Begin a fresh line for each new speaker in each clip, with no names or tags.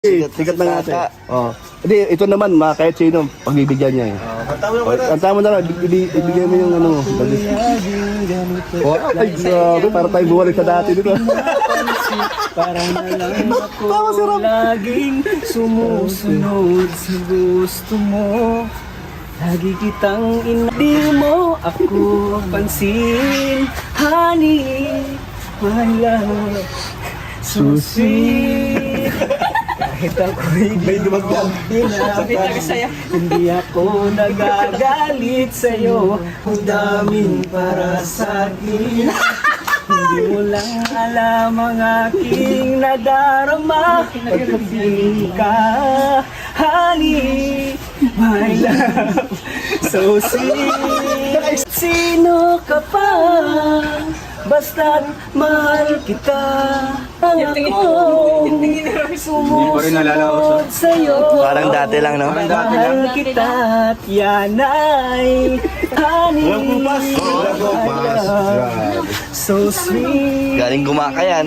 Sikat na natin. Oh. Hindi, ito naman, kahit sino, pagbibigyan niya eh. Kanta mo na lang, ibigay mo yung ano mo. Oh, ay, grabe, para tayo buwalik sa dati dito.
Para na lang ako laging sumusunod sa gusto mo. Lagi kitang di mo ako pansin. Honey, my love, so sweet. Kahit ako'y may dumagdag, hindi ako nagagalit sa'yo. Ang daming para sa'kin. Hindi mo lang alam ang aking nadarama. Pagkapiling ka, honey, my love, so sweet. Sino ka pa? Basta't mahal kita. Ang ako sumusunod sa'yo.
Parang dati lang, no?
Mahal kita at yan ay honey, my love, so sweet.
Galing Gumakayan.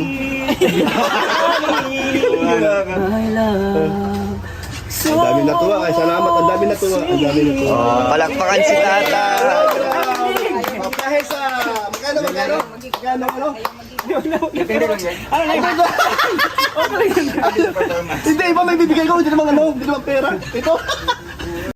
My love, so
Ang dami natuwa, ay salamat, ang dami natuwa. Ang dami natuwa.
Oh, palakpakan si Tata.
Dahil sa, magkano? Hindi, iba may bibigay ko, hindi naman pera. Ito.